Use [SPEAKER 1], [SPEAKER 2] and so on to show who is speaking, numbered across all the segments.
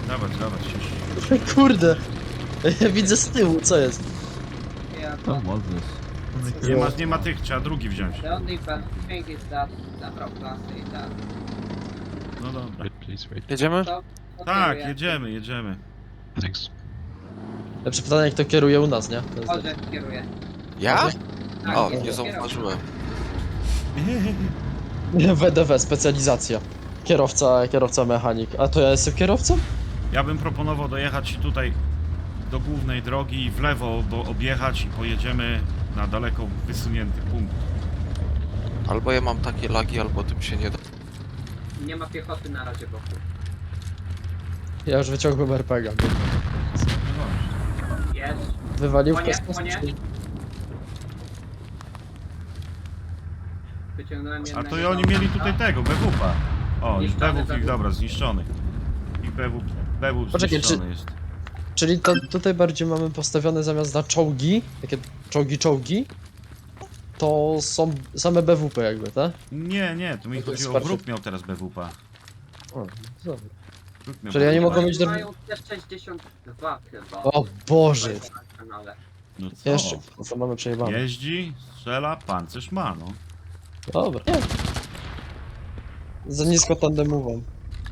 [SPEAKER 1] Dawać już.
[SPEAKER 2] Kurde. Ja widzę z tyłu, co jest?
[SPEAKER 3] Yeah,
[SPEAKER 4] To
[SPEAKER 3] but
[SPEAKER 4] może.
[SPEAKER 1] Nie ma tych, trzeba drugi wziąć.
[SPEAKER 3] the only bad thing is that zabrał klasy i tak.
[SPEAKER 1] No dobra.
[SPEAKER 4] Wait, please wait.
[SPEAKER 5] Jedziemy?
[SPEAKER 3] To
[SPEAKER 1] Tak,
[SPEAKER 3] kieruje.
[SPEAKER 1] jedziemy.
[SPEAKER 4] Thanks.
[SPEAKER 2] Lepsze pytanie, kto kieruje u nas, nie? To jest...
[SPEAKER 3] Orzech kieruje.
[SPEAKER 5] Ja?
[SPEAKER 3] Tak,
[SPEAKER 5] O,
[SPEAKER 3] jest
[SPEAKER 5] nie
[SPEAKER 3] kierowca.
[SPEAKER 5] zauważyłem.
[SPEAKER 2] WDW, specjalizacja. Kierowca mechanik. A to ja jestem kierowcą?
[SPEAKER 1] Ja bym proponował dojechać tutaj do głównej drogi i w lewo, bo objechać i pojedziemy na daleko wysunięty punkt.
[SPEAKER 5] Albo ja mam takie lagi, albo tym się nie da.
[SPEAKER 3] Nie ma piechoty na razie wokół.
[SPEAKER 2] Ja już wyciągłem RPG.
[SPEAKER 1] No dobrze.
[SPEAKER 3] Jest.
[SPEAKER 2] Wywalił w
[SPEAKER 3] Konie,
[SPEAKER 2] kosmos?
[SPEAKER 3] konie.
[SPEAKER 2] czy-
[SPEAKER 3] Wyciągnąłem
[SPEAKER 1] A
[SPEAKER 3] jednego.
[SPEAKER 1] to i oni mieli tutaj tego, BWP. O, już
[SPEAKER 3] Zniszczony
[SPEAKER 1] BWP ich,
[SPEAKER 3] BW.
[SPEAKER 1] dobra, zniszczony. Ich BW
[SPEAKER 2] Poczekaj,
[SPEAKER 1] zniszczony jest.
[SPEAKER 2] Czyli to tutaj bardziej mamy postawione zamiast na czołgi, takie czołgi, to są same BWP jakby, tak?
[SPEAKER 1] Nie, to mi
[SPEAKER 2] No to jest
[SPEAKER 1] chodziło,
[SPEAKER 2] bardziej-
[SPEAKER 1] wróg miał teraz BWP.
[SPEAKER 2] O, dobra.
[SPEAKER 1] Wróg miał
[SPEAKER 2] Czyli ja nie
[SPEAKER 1] BWP.
[SPEAKER 2] mogę mieć do...
[SPEAKER 3] Mają też 62 chyba.
[SPEAKER 2] O Boże!
[SPEAKER 3] Na kanale.
[SPEAKER 1] No co?
[SPEAKER 2] Jeszcze, to mamy przejebane.
[SPEAKER 1] Jeździ, strzela, pancerz ma, no.
[SPEAKER 2] Dobra. Nie. Za nisko tandemową.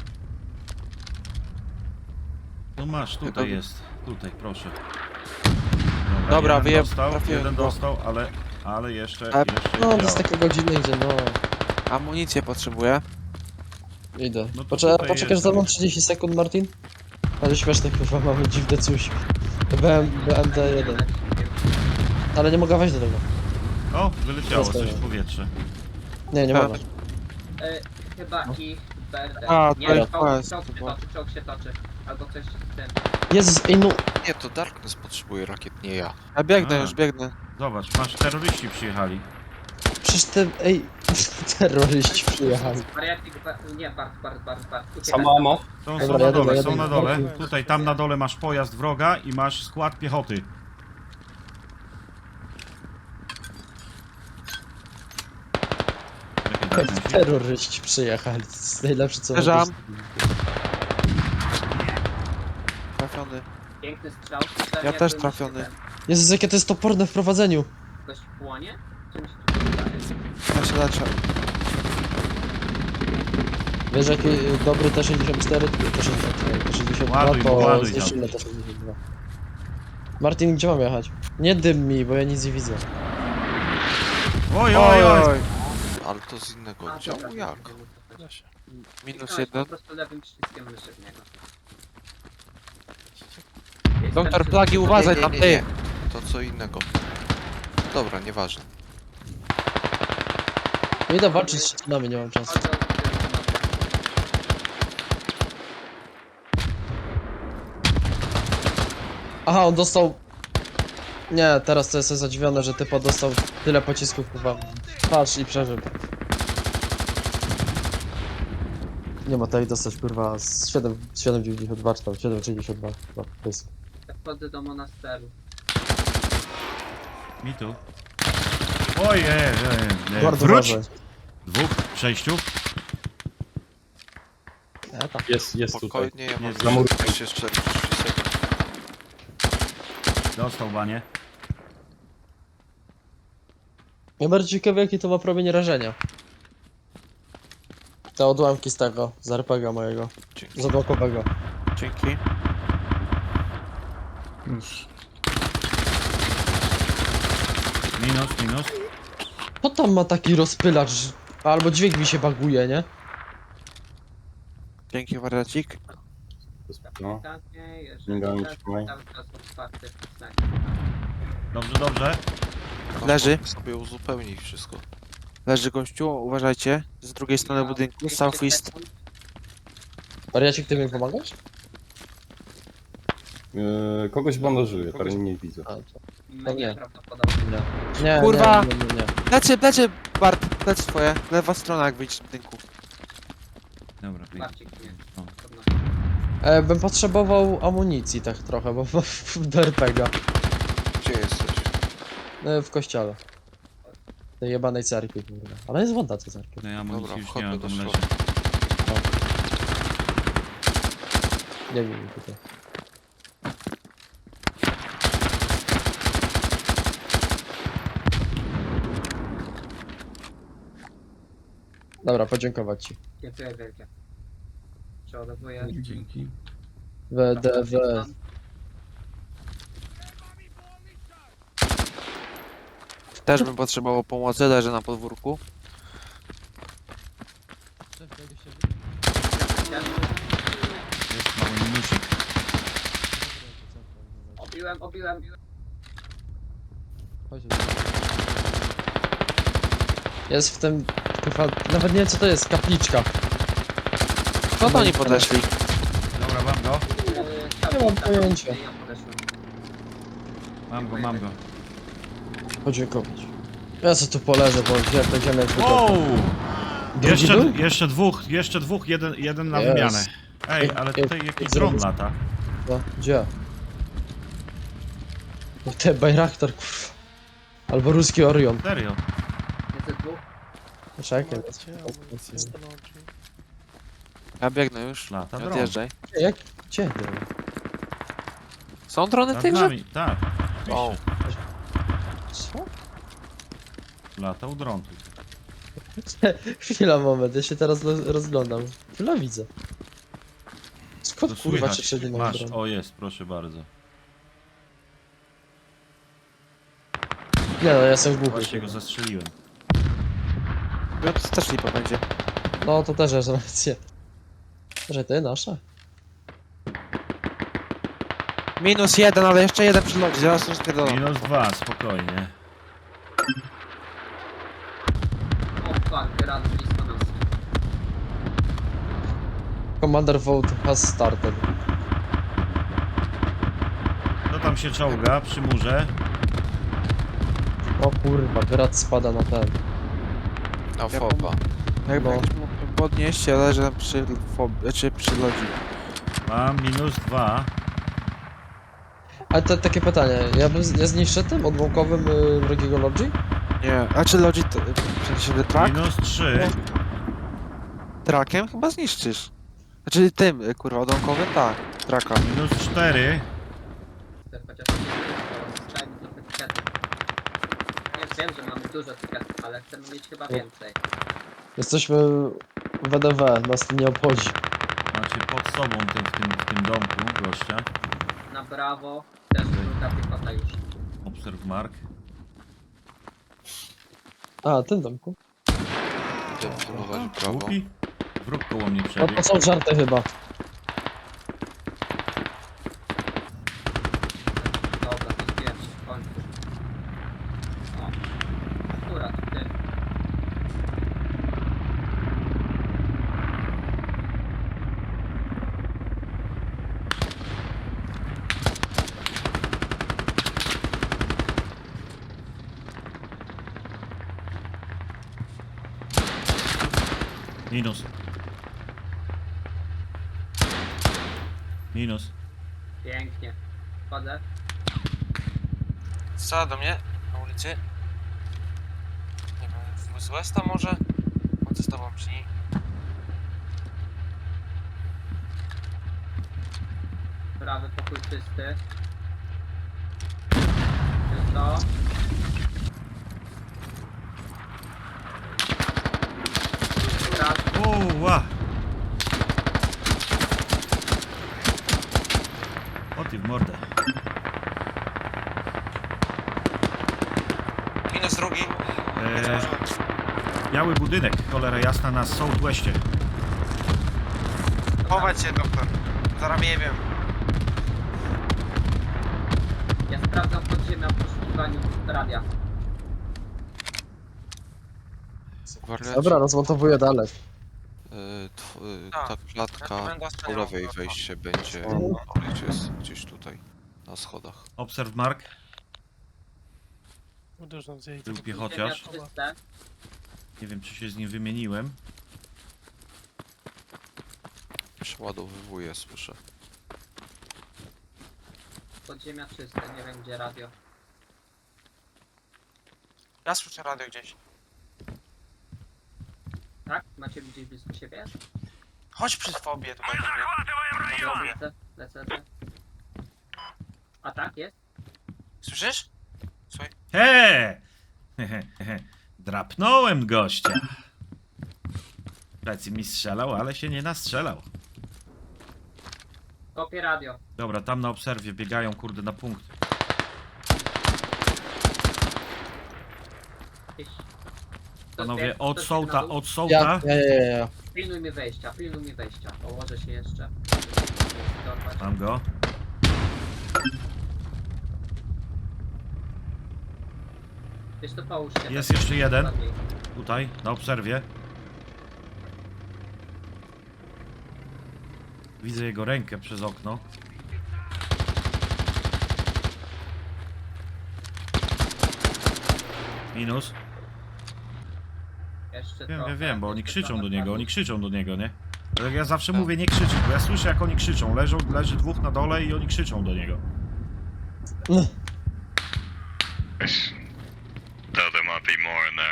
[SPEAKER 1] No masz, tutaj
[SPEAKER 5] Dobra.
[SPEAKER 1] jest. Tutaj, proszę.
[SPEAKER 5] Dobra,
[SPEAKER 1] jeden
[SPEAKER 5] wyjeb-
[SPEAKER 1] dostał,
[SPEAKER 5] trafiłem
[SPEAKER 1] jeden
[SPEAKER 5] go.
[SPEAKER 1] dostał, ale jeszcze
[SPEAKER 5] A-
[SPEAKER 2] No, to
[SPEAKER 1] działa.
[SPEAKER 2] jest takie godziny, gdzie no...
[SPEAKER 5] Amunicję potrzebuję.
[SPEAKER 2] Idę.
[SPEAKER 1] No to
[SPEAKER 2] Poczekaj,
[SPEAKER 1] tutaj
[SPEAKER 2] poczekasz
[SPEAKER 1] jest.
[SPEAKER 2] za mną 30 sekund, Martin? Ale śmieszne, kurwa, mamy dziwne coś. BMD1. Ale nie mogę wejść do tego.
[SPEAKER 1] O, wyleciało coś
[SPEAKER 2] Zostawiam.
[SPEAKER 1] w powietrze.
[SPEAKER 2] Nie
[SPEAKER 5] Tak.
[SPEAKER 2] mogę.
[SPEAKER 3] Chyba ich BRD.
[SPEAKER 5] A, to
[SPEAKER 3] Nie,
[SPEAKER 5] jest
[SPEAKER 3] czołg
[SPEAKER 5] quest,
[SPEAKER 3] się toczy, czołg się toczy. Albo coś z tym.
[SPEAKER 2] Jezus, ej no...
[SPEAKER 5] Nie, to Darkness potrzebuje rakiet, nie ja.
[SPEAKER 4] Ja biegnę
[SPEAKER 1] A.
[SPEAKER 4] już, biegnę.
[SPEAKER 1] Zobacz, masz terroryści przyjechali.
[SPEAKER 2] Przecież te... ej... terroryści przyjechali.
[SPEAKER 3] Wariatik, nie, Bart. Uciekaj.
[SPEAKER 6] Samo amo?
[SPEAKER 1] Są
[SPEAKER 2] Dobra,
[SPEAKER 1] na
[SPEAKER 2] jadę,
[SPEAKER 1] dole,
[SPEAKER 2] jadę.
[SPEAKER 1] są na dole. Tutaj, tam na dole masz pojazd wroga i masz skład piechoty. Czekaj, daj mi się.
[SPEAKER 2] Terroryści przyjechali. To jest najlepsze co
[SPEAKER 5] Uderzam.
[SPEAKER 2] mogę
[SPEAKER 5] Trafiony.
[SPEAKER 3] Piękny strzał.
[SPEAKER 5] Ja też trafiony.
[SPEAKER 2] Jezus, jakie to jest toporne w prowadzeniu.
[SPEAKER 3] Ktoś płonie? Czymś tu wydaje.
[SPEAKER 5] Ja się leczę.
[SPEAKER 2] Wiesz jaki dobry T64, T62
[SPEAKER 1] Ładuj,
[SPEAKER 2] to
[SPEAKER 1] ładuj
[SPEAKER 2] zniszczymy T62. Martin, gdzie mam jechać? Nie dym mi, bo ja nic nie widzę.
[SPEAKER 1] Oj.
[SPEAKER 5] Ale to z innego
[SPEAKER 3] A,
[SPEAKER 5] działu,
[SPEAKER 3] dobra,
[SPEAKER 5] jak?
[SPEAKER 3] Kliknąłeś
[SPEAKER 5] -1.
[SPEAKER 3] Po prostu lewym przyciskiem myszy w niego.
[SPEAKER 5] Doktor
[SPEAKER 3] Jestem
[SPEAKER 5] Plagi,
[SPEAKER 3] przy-
[SPEAKER 5] uważaj Nie, tam, nie, ty! nie. To co innego. Dobra, nieważne.
[SPEAKER 2] Idę walczyć z szczecinami, nie mam czasu.
[SPEAKER 3] Chodzą,
[SPEAKER 2] Aha, on dostał... Nie, teraz to jestem zadziwiony, że typa dostał tyle pocisków, kurwa. Patrz i przeżył. Nie ma tutaj dostać, kurwa, z 7,92 czy tam 7,62. To jest...
[SPEAKER 3] Wchodzę do monasteru.
[SPEAKER 1] Mi tu. Ojej,
[SPEAKER 2] Bardzo
[SPEAKER 1] wróć!
[SPEAKER 2] ważne.
[SPEAKER 1] 2, 6.
[SPEAKER 2] tam.
[SPEAKER 6] Jest tutaj.
[SPEAKER 5] Spokojnie, ja mam
[SPEAKER 1] Jest.
[SPEAKER 5] jeszcze 30 sekund.
[SPEAKER 1] Dostał banie.
[SPEAKER 2] Ja bardzo ciekawy, jaki to ma promień rażenia. Te odłamki z tego, z RPG mojego,
[SPEAKER 5] Dzięki.
[SPEAKER 2] zablokowego.
[SPEAKER 5] Dzięki.
[SPEAKER 4] Już.
[SPEAKER 1] Minus.
[SPEAKER 2] Kto tam ma taki rozpylacz? Albo dźwięk mi się baguje, nie?
[SPEAKER 5] Dzięki, wariacik.
[SPEAKER 6] No.
[SPEAKER 3] Pytanie, jeżeli
[SPEAKER 6] Śmigałem,
[SPEAKER 3] tak,
[SPEAKER 6] trzymaj.
[SPEAKER 3] cały czas otwarty. Tak.
[SPEAKER 1] Dobrze.
[SPEAKER 5] Leży.
[SPEAKER 6] Sobie uzupełnij wszystko.
[SPEAKER 5] Leży gościu, uważajcie. Z drugiej strony budynku, southeast.
[SPEAKER 2] Wariacik, ty mi pomagasz?
[SPEAKER 6] Kogoś bandażuję, teraz nie widzę.
[SPEAKER 2] A, to
[SPEAKER 3] Mnie
[SPEAKER 2] nie.
[SPEAKER 3] prawdopodobnie.
[SPEAKER 2] nie.
[SPEAKER 5] Kurwa!
[SPEAKER 2] Nie.
[SPEAKER 5] Plecy, Bart, plecy twoje. Lewa strona, jak wyjdziesz z budynku.
[SPEAKER 1] Dobra,
[SPEAKER 3] Barcik, nie.
[SPEAKER 1] O.
[SPEAKER 2] Bym potrzebował amunicji tak trochę, bo do RPG.
[SPEAKER 5] Gdzie jesteś?
[SPEAKER 2] W kościele. Tej jebanej cerkwi, kurwa. Ale jest woda, co cerkwi.
[SPEAKER 1] No ja amunicji
[SPEAKER 5] Dobra,
[SPEAKER 1] już nie
[SPEAKER 5] wchodzę
[SPEAKER 1] mam,
[SPEAKER 5] do
[SPEAKER 1] tam leży.
[SPEAKER 5] środka.
[SPEAKER 2] Nie wiem tutaj. Dobra, podziękować ci.
[SPEAKER 3] Dziękuję wielkie. Przeładowuję.
[SPEAKER 4] Dzięki.
[SPEAKER 2] WDW.
[SPEAKER 5] Też bym potrzebował pomocy, leży na podwórku.
[SPEAKER 1] Jest mały minusik.
[SPEAKER 3] Obiłem.
[SPEAKER 2] Jest w tym... Chyba, nawet nie wiem co to jest, kapliczka.
[SPEAKER 5] Co to oni podeszli?
[SPEAKER 1] Dobra, mam go.
[SPEAKER 2] Nie mam pojęcia.
[SPEAKER 3] Ja podeszłem.
[SPEAKER 1] Mam go.
[SPEAKER 2] Podziękować. Ja sobie tu poleżę, bo będziemy jak
[SPEAKER 1] Wow!
[SPEAKER 2] Drugi był?
[SPEAKER 1] Jeszcze dwóch, jeden na
[SPEAKER 2] Jest.
[SPEAKER 1] wymianę. Ej, ale
[SPEAKER 2] Ej,
[SPEAKER 1] tutaj jakiś
[SPEAKER 2] zrobię-
[SPEAKER 1] dron lata.
[SPEAKER 2] No, gdzie? No, te Bayraktar, kurwa. Albo ruski Orion.
[SPEAKER 1] Serio.
[SPEAKER 3] Jest dwóch.
[SPEAKER 2] Czekaj.
[SPEAKER 5] Ja biegnę już.
[SPEAKER 1] Lata
[SPEAKER 5] Nie
[SPEAKER 1] dron.
[SPEAKER 5] odjeżdżaj.
[SPEAKER 2] Jak? Gdzie?
[SPEAKER 5] Są drony w
[SPEAKER 1] Nad
[SPEAKER 5] tej grze?
[SPEAKER 1] nami, tak.
[SPEAKER 5] O,
[SPEAKER 2] Co?
[SPEAKER 1] Latał dron tu.
[SPEAKER 2] Chwila, moment, ja się teraz rozglądam. Chwila, widzę. Skąd
[SPEAKER 1] To
[SPEAKER 2] kurwa
[SPEAKER 1] słychać.
[SPEAKER 2] cię wszędzie mam
[SPEAKER 1] Masz,
[SPEAKER 2] dron?
[SPEAKER 1] o jest, proszę bardzo.
[SPEAKER 2] Nie no, ja jestem głuchy.
[SPEAKER 1] Właśnie go zastrzeliłem.
[SPEAKER 5] ja to też lipa będzie.
[SPEAKER 2] No to też jest rację. Że ty, nasza?
[SPEAKER 5] -1, ale jeszcze jeden przylądzi, zaraz już pierdolę.
[SPEAKER 1] -2, spokojnie.
[SPEAKER 3] O fuck, rad blisko nas.
[SPEAKER 2] Commander vote has started.
[SPEAKER 1] Kto tam się czołga przy murze?
[SPEAKER 2] O kurwa, grad spada na ten.
[SPEAKER 6] A fopa.
[SPEAKER 5] Jakby
[SPEAKER 2] No.
[SPEAKER 5] ktoś mógł podnieść, ale że przy przy lodzi.
[SPEAKER 1] Mam -2.
[SPEAKER 2] Ale to takie pytanie, ja zniszczę tym odłamkowym wrogiego Lodzi?
[SPEAKER 5] Nie, a czy lodzi to... W sensie track?
[SPEAKER 1] -3.
[SPEAKER 5] Trakiem chyba zniszczysz. Znaczy tym, kurwa, odłamkowym? Tak, traka.
[SPEAKER 1] -4.
[SPEAKER 3] Chociaż zostajemy trochę etykietów. Nie wiem, że mamy dużo etykietów, ale chcemy mieć chyba więcej.
[SPEAKER 2] Jesteśmy w WDW, nas to nie obchodzi.
[SPEAKER 1] Macie pod sobą w tym domku gościa.
[SPEAKER 3] Na brawo też druga piechota już.
[SPEAKER 1] Observe mark.
[SPEAKER 2] A, tym domku.
[SPEAKER 1] Głupi? Wróg koło mnie
[SPEAKER 2] No
[SPEAKER 1] przebiegł.
[SPEAKER 2] to są żarty chyba.
[SPEAKER 3] Dobra, to zbieram się w końcu. O, akurat ty.
[SPEAKER 1] Minus. Minus.
[SPEAKER 3] Pięknie. Wchodzę.
[SPEAKER 5] Strzela do mnie na ulicy. Nie wiem, z Westa może? Chodzę z tobą przy niej.
[SPEAKER 3] Prawy pokój czysty. Czysto. Raz.
[SPEAKER 1] Ła! O ty w mordę.
[SPEAKER 5] Minus drugi.
[SPEAKER 1] Biały budynek, cholera jasna, na Southwestie.
[SPEAKER 5] Chować się, doktor. Zaraz nie wiem.
[SPEAKER 3] Ja sprawdzam podziemia w poszukiwaniu radia.
[SPEAKER 2] Dobra, rozmontowuję dalej.
[SPEAKER 6] Ta klatka po lewej wejście będzie gdzieś tutaj, na schodach.
[SPEAKER 1] Observe mark. Był
[SPEAKER 3] Podziemia
[SPEAKER 1] piechociarz.
[SPEAKER 3] czyste.
[SPEAKER 1] Nie wiem, czy się z nim wymieniłem.
[SPEAKER 6] Przeładowywuję, słyszę.
[SPEAKER 3] Podziemia czyste, nie wiem gdzie radio.
[SPEAKER 5] Ja słyszę radio gdzieś.
[SPEAKER 3] Tak? Macie gdzieś blisko siebie?
[SPEAKER 5] Chodź przy fobie tutaj do mnie.
[SPEAKER 3] No,
[SPEAKER 5] Fobie.
[SPEAKER 3] lecę. A tak jest?
[SPEAKER 5] Słyszysz? Słuchaj.
[SPEAKER 1] He! Drapnąłem gościa. Plecy mi strzelał, ale się nie nastrzelał.
[SPEAKER 3] Kopię radio.
[SPEAKER 1] Dobra, tam na obserwie biegają, kurde, na punkt.
[SPEAKER 3] Gdzieś.
[SPEAKER 1] Panowie, od
[SPEAKER 3] Ktoś
[SPEAKER 1] sołta,
[SPEAKER 3] na dół?
[SPEAKER 1] od sołta.
[SPEAKER 2] Ja.
[SPEAKER 3] Pilnuj mi wejścia. Położę się jeszcze. Dorwać.
[SPEAKER 1] Mam go.
[SPEAKER 3] Wiesz to połóż się.
[SPEAKER 1] Jest
[SPEAKER 3] tak
[SPEAKER 1] jeszcze jeden.
[SPEAKER 3] ładniej.
[SPEAKER 1] Tutaj, na obserwie. Widzę jego rękę przez okno. Minus.
[SPEAKER 3] Jeszcze
[SPEAKER 1] Wiem,
[SPEAKER 3] trochę,
[SPEAKER 1] wiem, bo oni
[SPEAKER 3] jeszcze
[SPEAKER 1] krzyczą
[SPEAKER 3] trochę
[SPEAKER 1] do niego,
[SPEAKER 3] padło.
[SPEAKER 1] oni krzyczą do niego, nie? Tak ja zawsze mówię, nie krzyczeć, bo ja słyszę, jak oni krzyczą. Leży dwóch na dole i oni krzyczą do niego.
[SPEAKER 7] Though there might be more in there.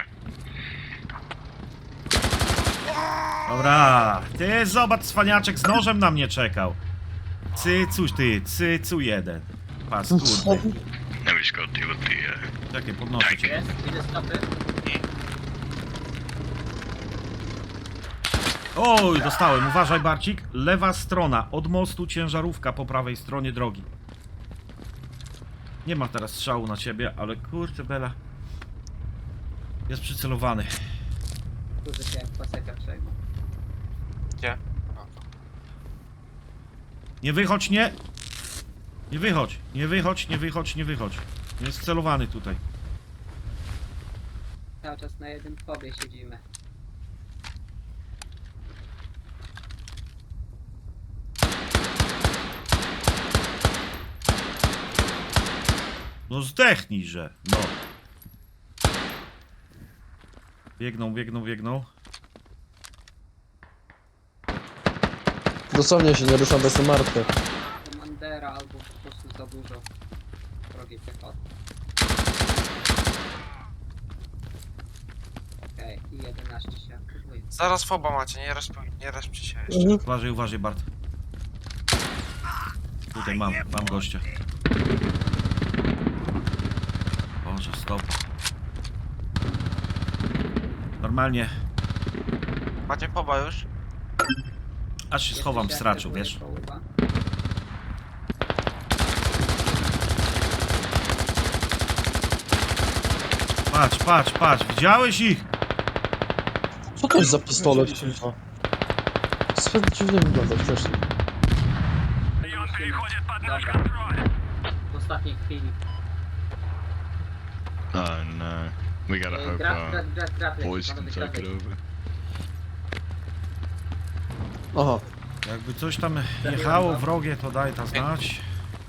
[SPEAKER 1] Dobra, ty zobacz, cwaniaczek z nożem na mnie czekał. Cycuś ty, cycu jeden. Pas, kurde.
[SPEAKER 7] Now we just got to deal with the
[SPEAKER 1] Czekaj, podnoszę cię.
[SPEAKER 3] Jest, widzę stopy.
[SPEAKER 1] Oj, dostałem, uważaj Barcik. Lewa strona, od mostu ciężarówka po prawej stronie drogi. Nie ma teraz strzału na ciebie, ale kurczę Bela. Jest przycelowany.
[SPEAKER 3] Kurde się jak paseka przejmą.
[SPEAKER 5] Gdzie?
[SPEAKER 1] Nie wychodź, nie! Nie wychodź, nie wychodź, nie wychodź, nie wychodź. Jest celowany tutaj.
[SPEAKER 3] Cały czas na jednym fobie siedzimy.
[SPEAKER 1] No zdechnijże, no. Biegną.
[SPEAKER 2] Dosłownie się nie ruszam, bo jestem martwy.
[SPEAKER 3] Komandera albo po prostu za dużo wrogiej piechoty. Okej, i 11 się aktywuje.
[SPEAKER 5] Zaraz foba macie, nie respcie się jeszcze.
[SPEAKER 1] Uważaj Bart. Tutaj mam gościa. Boże, stop. Normalnie,
[SPEAKER 5] Macie foba już?
[SPEAKER 1] aż się schowam w
[SPEAKER 3] Jeszcze się
[SPEAKER 1] straczu,
[SPEAKER 3] aktywuje
[SPEAKER 1] wiesz?
[SPEAKER 3] połowa.
[SPEAKER 1] Patrz, widziałeś ich?
[SPEAKER 2] Co to jest za pistolet, kurwa? Zbyt dziwnie wygląda wcześniej.
[SPEAKER 3] Dobra. W ostatniej chwili.
[SPEAKER 7] Oh no. We gotta hope
[SPEAKER 3] Grat.
[SPEAKER 7] boys can take it over.
[SPEAKER 2] Aha.
[SPEAKER 1] Jakby coś tam jechało wrogie, to daj ta znać.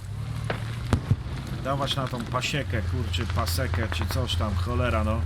[SPEAKER 1] Dawać na tą pasiekę, kurczy, pasekę, czy coś tam, cholera no.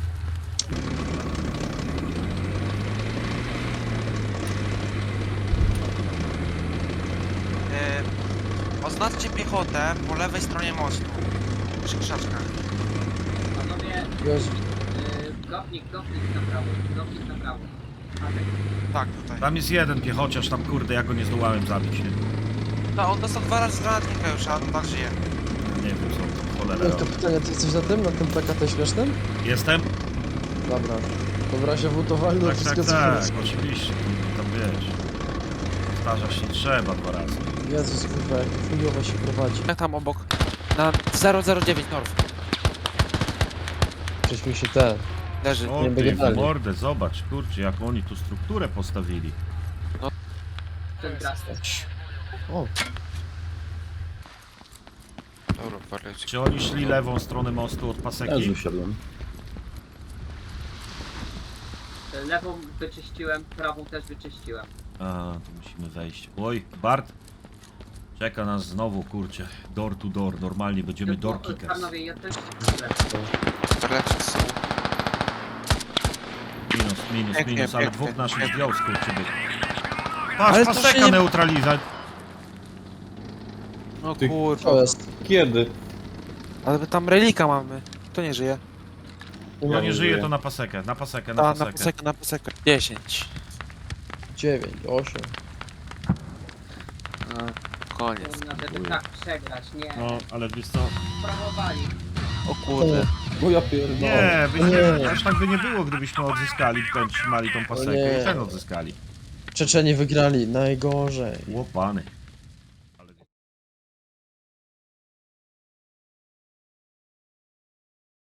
[SPEAKER 5] Oznaczcie piechotę po lewej stronie mostu. Przy krzaczkach.
[SPEAKER 3] Panowie,
[SPEAKER 2] Jezu.
[SPEAKER 3] gopnik na prawo. Atak.
[SPEAKER 5] Tak, tutaj.
[SPEAKER 1] Tam jest jeden piechociarz, tam kurde, ja go nie zdołałem zabić, nie?
[SPEAKER 5] No, on dostał 2 razy z granatnika już, a on tak żyje.
[SPEAKER 1] Nie wiem co to cholera
[SPEAKER 2] No to
[SPEAKER 1] robi.
[SPEAKER 2] pytanie, ty jesteś na tym PKT śmiesznym?
[SPEAKER 1] Jestem?
[SPEAKER 2] Dobra. To w razie wutowali do
[SPEAKER 1] Tak,
[SPEAKER 2] wszystkiego co
[SPEAKER 1] oczywiście, tam wiesz. Starza się trzeba 2 razy.
[SPEAKER 2] Jezus, kurwa, jak to chujowo się prowadzi.
[SPEAKER 5] Jak tam obok? Na 009 North.
[SPEAKER 2] Przecież mi się te...
[SPEAKER 5] Leży.
[SPEAKER 1] O
[SPEAKER 2] Nie
[SPEAKER 1] ty
[SPEAKER 2] będzie
[SPEAKER 1] w
[SPEAKER 2] dalej.
[SPEAKER 1] mordę, zobacz, kurczę, jak oni tu strukturę postawili.
[SPEAKER 3] Ten grat.
[SPEAKER 2] O,
[SPEAKER 6] Dobra, parlecie.
[SPEAKER 1] Czy oni szli lewą stronę mostu od paseki?
[SPEAKER 3] Lewą wyczyściłem, prawą też wyczyściłem.
[SPEAKER 1] A, to musimy wejść. Oj, Bart. Czeka nas znowu, kurczę, door to door. Normalnie będziemy door kickers.
[SPEAKER 3] Panowie, ja też lecę.
[SPEAKER 6] Parlecie są.
[SPEAKER 1] Minus,
[SPEAKER 5] Pięknie,
[SPEAKER 1] ale
[SPEAKER 5] pięknie.
[SPEAKER 1] dwóch naszych zdjął skurczyby.
[SPEAKER 5] Ale
[SPEAKER 1] Patrz,
[SPEAKER 5] to
[SPEAKER 1] paseka
[SPEAKER 5] się nie-
[SPEAKER 1] neutraliza.
[SPEAKER 5] No kurwa.
[SPEAKER 2] to jest.
[SPEAKER 8] Kiedy?
[SPEAKER 5] Ale my tam relika mamy. Kto nie żyje?
[SPEAKER 1] Ja nie żyję,
[SPEAKER 8] żyję.
[SPEAKER 1] to na pasekę, na pasekę.
[SPEAKER 5] Na pasekę. 10.
[SPEAKER 2] 9, 8.
[SPEAKER 6] No, koniec.
[SPEAKER 3] Kurna, żeby tak przegrać, nie.
[SPEAKER 1] No, ale wiesz co?
[SPEAKER 3] Sprawowali.
[SPEAKER 6] O kurde.
[SPEAKER 2] No ja pierdolę.
[SPEAKER 1] Nie,
[SPEAKER 2] No nie.
[SPEAKER 1] aż tak by nie było, gdybyśmy odzyskali, trzymali tą pasekę
[SPEAKER 2] nie.
[SPEAKER 1] i ten odzyskali.
[SPEAKER 2] Czeczeni wygrali, najgorzej.
[SPEAKER 1] Łopany.